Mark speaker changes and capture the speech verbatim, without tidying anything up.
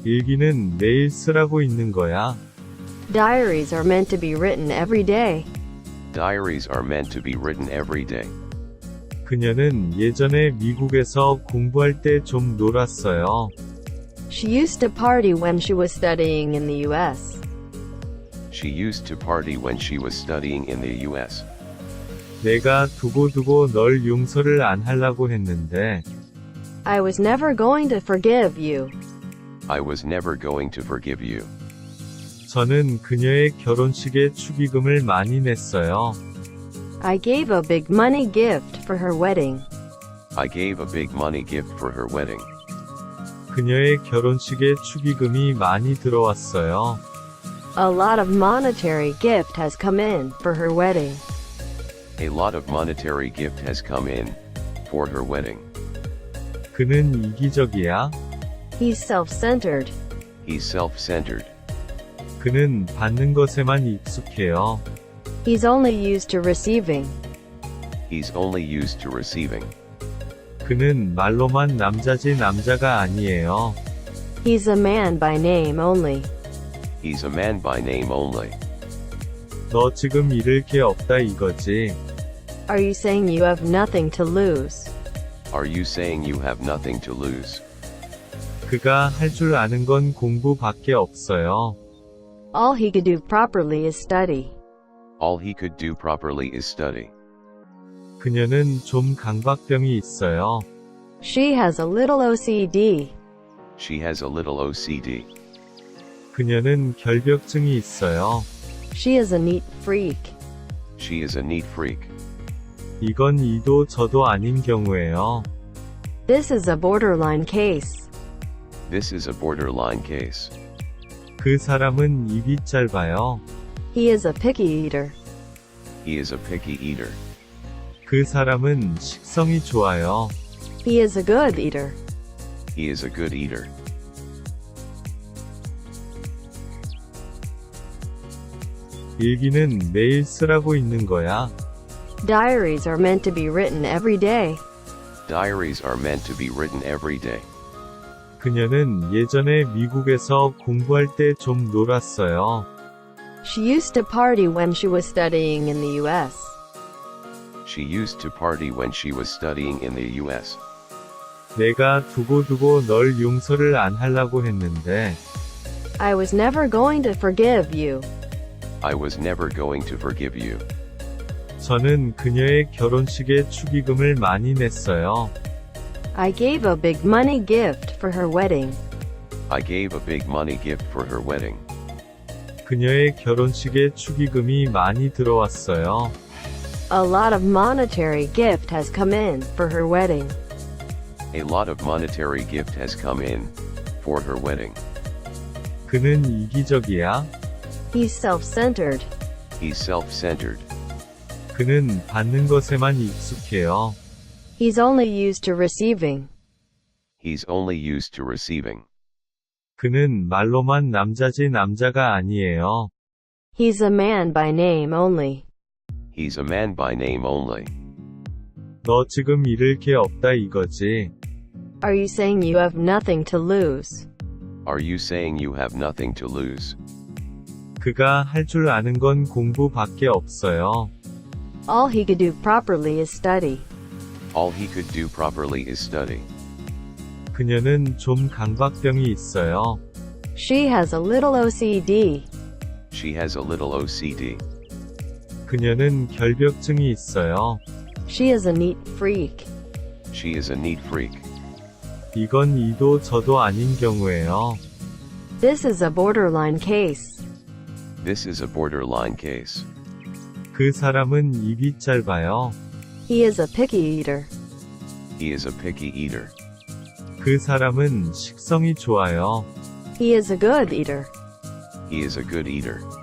Speaker 1: 일기는 매일 쓰라고 있는 거야.
Speaker 2: Diaries are meant to be written every day.
Speaker 3: Diaries are meant to be written every day.
Speaker 1: 그녀는 예전에 미국에서 공부할 때 좀 놀았어요.
Speaker 2: She used to party when she was studying in the U S.
Speaker 3: She used to party when she was studying in the U S.
Speaker 1: 내가 두고두고 널 용서를 안 하려고 했는데
Speaker 2: I was never going to forgive you.
Speaker 3: I was never going to forgive you.
Speaker 1: 저는 그녀의 결혼식에 축의금을 많이 냈어요.
Speaker 2: I gave a big money gift for her wedding.
Speaker 3: I gave a big money gift for her wedding.
Speaker 1: 그녀의 결혼식에 축의금이 많이 들어왔어요.
Speaker 2: A lot of monetary gift has come in for her wedding.
Speaker 3: A lot of monetary gift has come in for her wedding.
Speaker 1: 그는 이기적이야.
Speaker 2: He's self-centered.
Speaker 3: He's self-centered.
Speaker 1: 그는 받는 것에만 익숙해요.
Speaker 2: He's only used to receiving.
Speaker 3: He's only used to receiving.
Speaker 1: 그는 말로만 남자지 남자가 아니에요.
Speaker 2: He's a man by name only.
Speaker 3: He's a man by name only.
Speaker 1: 너 지금 잃을 게 없다 이거지.
Speaker 2: Are you saying you have nothing to lose?
Speaker 3: Are you saying you have nothing to lose?
Speaker 1: 그가 할 줄 아는 건 공부밖에 없어요.
Speaker 2: All he could do properly is study.
Speaker 3: All he could do properly is study.
Speaker 1: 그녀는 좀 강박병이 있어요.
Speaker 2: She has a little O C D.
Speaker 3: She has a little O C D.
Speaker 1: 그녀는 결벽증이 있어요.
Speaker 2: She is a neat freak.
Speaker 3: She is a neat freak.
Speaker 1: 이건 이도 저도 아닌 경우예요.
Speaker 2: This is a borderline case.
Speaker 3: This is a borderline case.
Speaker 1: 그 사람은 입이 짧아요.
Speaker 2: He is a picky eater.
Speaker 3: He is a picky eater.
Speaker 1: 그 사람은 식성이 좋아요.
Speaker 2: He is a good eater.
Speaker 3: He is a good eater.
Speaker 1: 일기는 매일 쓰라고 있는 거야.
Speaker 2: Diaries are meant to be written every day.
Speaker 3: Diaries are meant to be written every day.
Speaker 1: 그녀는 예전에 미국에서 공부할 때 좀 놀았어요.
Speaker 2: She used to party when she was studying in the U S.
Speaker 3: She used to party when she was studying in the U S.
Speaker 1: 내가 두고두고 널 용서를 안 하려고 했는데
Speaker 2: I was never going to forgive you.
Speaker 3: I was never going to forgive you.
Speaker 1: 저는 그녀의 결혼식에 축의금을 많이 냈어요.
Speaker 2: I gave a big money gift for her wedding.
Speaker 3: I gave a big money gift for her wedding.
Speaker 1: 그녀의 결혼식에 축의금이 많이 들어왔어요.
Speaker 2: A lot of monetary gift has come in for her wedding.
Speaker 3: A lot of monetary gift has come in for her wedding.
Speaker 1: 그는 이기적이야.
Speaker 2: He's self-centered.
Speaker 3: He's self-centered.
Speaker 1: 그는 받는 것에만 익숙해요.
Speaker 2: He's only used to receiving.
Speaker 3: He's only used to receiving.
Speaker 1: 그는 말로만 남자지 남자가 아니에요.
Speaker 2: He's a man by name only.
Speaker 3: He's a man by name only.
Speaker 1: 너 지금 잃을 게 없다 이거지.
Speaker 2: Are you saying you have nothing to lose?
Speaker 3: Are you saying you have nothing to lose?
Speaker 1: 그가 할 줄 아는 건 공부밖에 없어요.
Speaker 2: All he could do properly is study.
Speaker 3: All he could do properly is study.
Speaker 1: 그녀는 좀 강박병이 있어요.
Speaker 2: She has a little O C D.
Speaker 3: She has a little O C D.
Speaker 1: 그녀는 결벽증이 있어요.
Speaker 2: She is a neat freak.
Speaker 3: She is a neat freak.
Speaker 1: 이건 이도 저도 아닌 경우예요.
Speaker 2: This is a borderline case.
Speaker 3: This is a borderline case.
Speaker 1: 그 사람은 입이 짧아요.
Speaker 2: He is a picky eater.
Speaker 3: He is a picky eater.
Speaker 1: 그 사람은 식성이 좋아요.
Speaker 2: He is a good eater.
Speaker 3: He is a good eater.